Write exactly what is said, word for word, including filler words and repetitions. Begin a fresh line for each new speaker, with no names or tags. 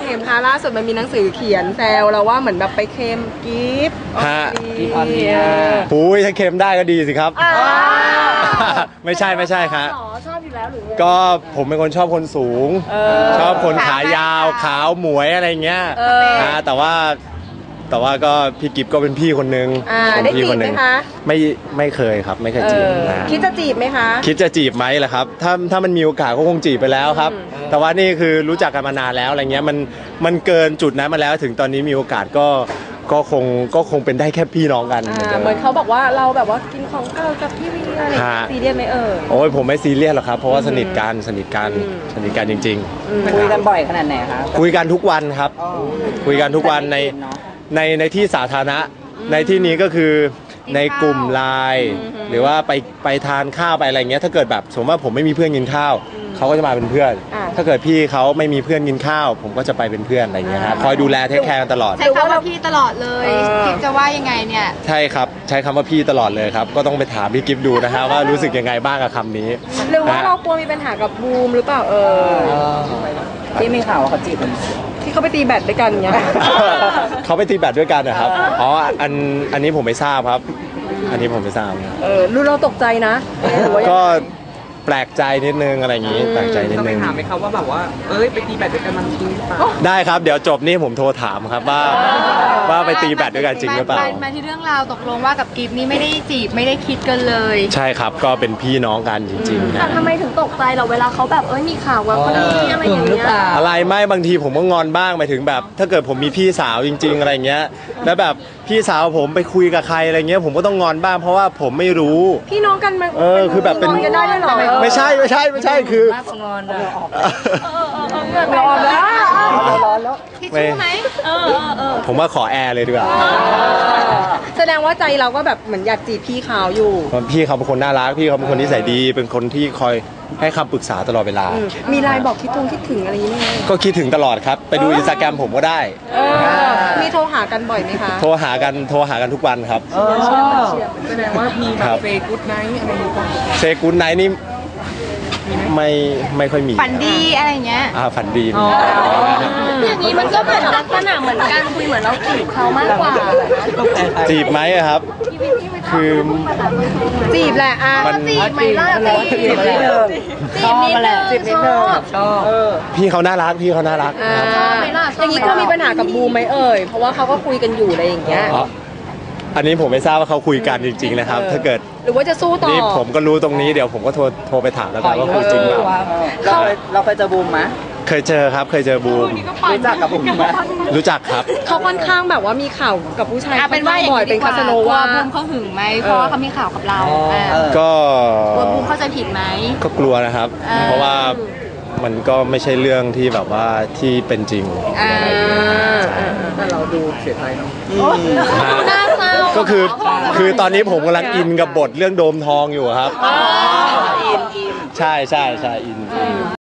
เห็นคะล่าสุดมันมีหนังสือเขียนแซวเราว่าเหมือนแบบไปเค็มกิฟต์ฮะกิฟต์ออนเนีย
ปุ้ยถ้าเค็มได้ก็ดีสิครับไม่ใช่ไม่ใช่ครับ
ชอบอยู่แล้วหรือ
ก็ผมเป็นคนชอบคนสูงชอบคนขายาวขาวหมวยอะไรเงี้ยนะแต่ว่าแต่ว่าก็พี่กิฟก็เป็นพี่คนนึง
ได้จีบไหมคะ
ไม่ไม่เคยครับไม่เคยจีบนะ
คิดจะจีบไหมคะ
คิดจะจีบไหมล่ะครับถ้าถ้ามันมีโอกาสก็คงจีบไปแล้วครับแต่ว่านี่คือรู้จักกันมานานแล้วอะไรเงี้ยมันมันเกินจุดนั้นมาแล้วถึงตอนนี้มีโอกาสก็ก็คงก็คงเป็นได้แค่พี่น้องกัน
เหมือนเขาบอกว่าเราแบบว่ากินของเก่ากับพี่วีอะไรซีเรียสไหมเออ
โอ้ยผมไม่ซีเรียสหรอกครับเพราะว่าสนิทกันสนิทกันสนิทกันจริง
ๆคุยกันบ่อยขนาดไหนคะ
คุยกันทุกวันครับคุยกันทุกวันในในในที่สาธารณะในที่นี้ก็คือในกลุ่มไลน์หรือว่าไปไปทานข้าวไปอะไรเงี้ยถ้าเกิดแบบสมมติว่าผมไม่มีเพื่อนกินข้าวเขาก็จะมาเป็นเพื่อนถ้าเกิดพี่เขาไม่มีเพื่อนกินข้าวผมก็จะไปเป็นเพื่อนอะไรเงี้ยครับคอยดูแลเทคแคร์กันตลอด
ใช้คำว่าพี่ตลอดเลยกิฟจะว่ายังไงเนี่ย
ใช่ครับใช้คำว่าพี่ตลอดเลยครับก็ต้องไปถามพี่กิฟดูนะฮะว่ารู้สึกยังไงบ้างกับคำนี้
หรือว่าเรากลัวมีปัญหากับบูมหรือเปล่าเออ
ที่มีข่าวว่าเขาจีบกัน
ที่เขาไปตีแบดด้วยกันเงี้ย
เขาไปตีแบดด้วยกันนะครับอ๋ออันอันนี้ผมไม่ทราบครับอันนี้ผมไม่ทราบ
เออรู้เราตกใจนะ
ก็แปลกใจนิดนึงอะไรอย่างนี้แปลกใจนิดนึง
ถามไหมครับว่าแบบว่าเอ้ยไปตีแบดด้วยกันมันจริงหรือเปล่า
ได้ครับเดี๋ยวจบนี่ผมโทรถามครับว่าว่าไปตีแบดด้วยกันจริงหรือเปล่า
มาที่เรื่องราวตกลงว่ากับกิฟนี่ไม่ได้จีบไม่ได้คิดกันเลย
ใช่ครับก็เป็นพี่น้องกันจริงๆ
แต่ทำไมถึงตกใจเราเวลาเขาแบบเอ้ยมีข่าวว่าคนนี้อะไรอย่างเงี้ย
อะไรไม่บางทีผมก็งอนบ้างหมายถึงแบบถ้าเกิดผมมีพี่สาวจริงๆอะไรเงี้ยแล้วแบบพี่สาวผมไปคุยกับใครอะไรเงี้ยผมก็ต้องงอนบ้างเพราะว่าผมไม่รู้
พี่น้องกันมัน
เออคือแบบเป็น
กันได้ด้วยหรอ
ไม่ใช่ไม่ใช่ไม่ใช่คืองอนเลยออก
ร้อนแล้ว
ร้อนแล้วทิชชู่ไหมเออ
เออผมว่าขอแอร์เลยดีกว่า
แสดงว่าใจเราก็แบบเหมือนอยากจีบพี่เขาอยู่
พี่เขาเป็นคนน่ารักพี่เขาเป็นคนนิสัยดีเป็นคนที่คอยให้คำปรึกษาตลอดเวลา
มีไลน์บอกคิดถึงคิดถึงอะไรอย่างนี้ไหม
ก็คิดถึงตลอดครับไปดูอินสตาแกรมผมก็ได้
มีโทรหากันบ่อยไหมคะ
โทรหากันโทรหากันทุกวันครับ
แสดงว่ามีแบบเซกู๊ดไนท์อะไรอย่างเงี้ย
เซกู๊ดไนท์นี่ไม่ไม่ค่อยมี
ฝันดีอะไรเงี้ย
อ่าฝันดี
อย่างนี้มันก็เหมือนลักษณะเหมือนการคุยเหมือนเราจีบเขามากกว่า
จีบไหมครับคือ
จีบแหละอ่ะจีบไหมล่ะจีบนิดนึงจีบนิดนึงจีบนิดนึง
ชอบพี่เขาน่ารักพี่เขาน่ารัก
อย่างนี้เขามีปัญหากับบูมไหมเอ่ยเพราะว่าเขาก็คุยกันอยู่อะไรอย่างเงี้ย
อันนี้ผมไม่ทราบว่าเขาคุยกันจริงๆนะครับถ้าเกิด
หรือว่าจะสู้ต่อ
นี่ผมก็รู้ตรงนี้เดี๋ยวผมก็โทรโทรไปถามแล้วกันว่าคุยจริงเปล่า
เราเราเคยเจอบูมไหม
เคยเจอครับเคยเจอบูม
รู้จักกับบูมไหม
รู้จักครับ
เขาค่อนข้างแบบว่ามีข่าวกับผู้ชาย
เป็นว่า
บ่อยเป็นคาสโนว่า
บูมเขาหึงไหมเพราะว่าเขามีข่าวกับเรา
ก็
ว่าบูมเข้าใจผิดไหม
ก็กลัวนะครับเพราะว่ามันก็ไม่ใช่เรื่องที่แบบว่าที่เป็นจริง
แต่เราดูเสียใจเนาะ
ก็คือคือตอนนี้ผมกำลังอินกับบทเรื่องโดมทองอยู่ครับใช่ใช่ใช่อิน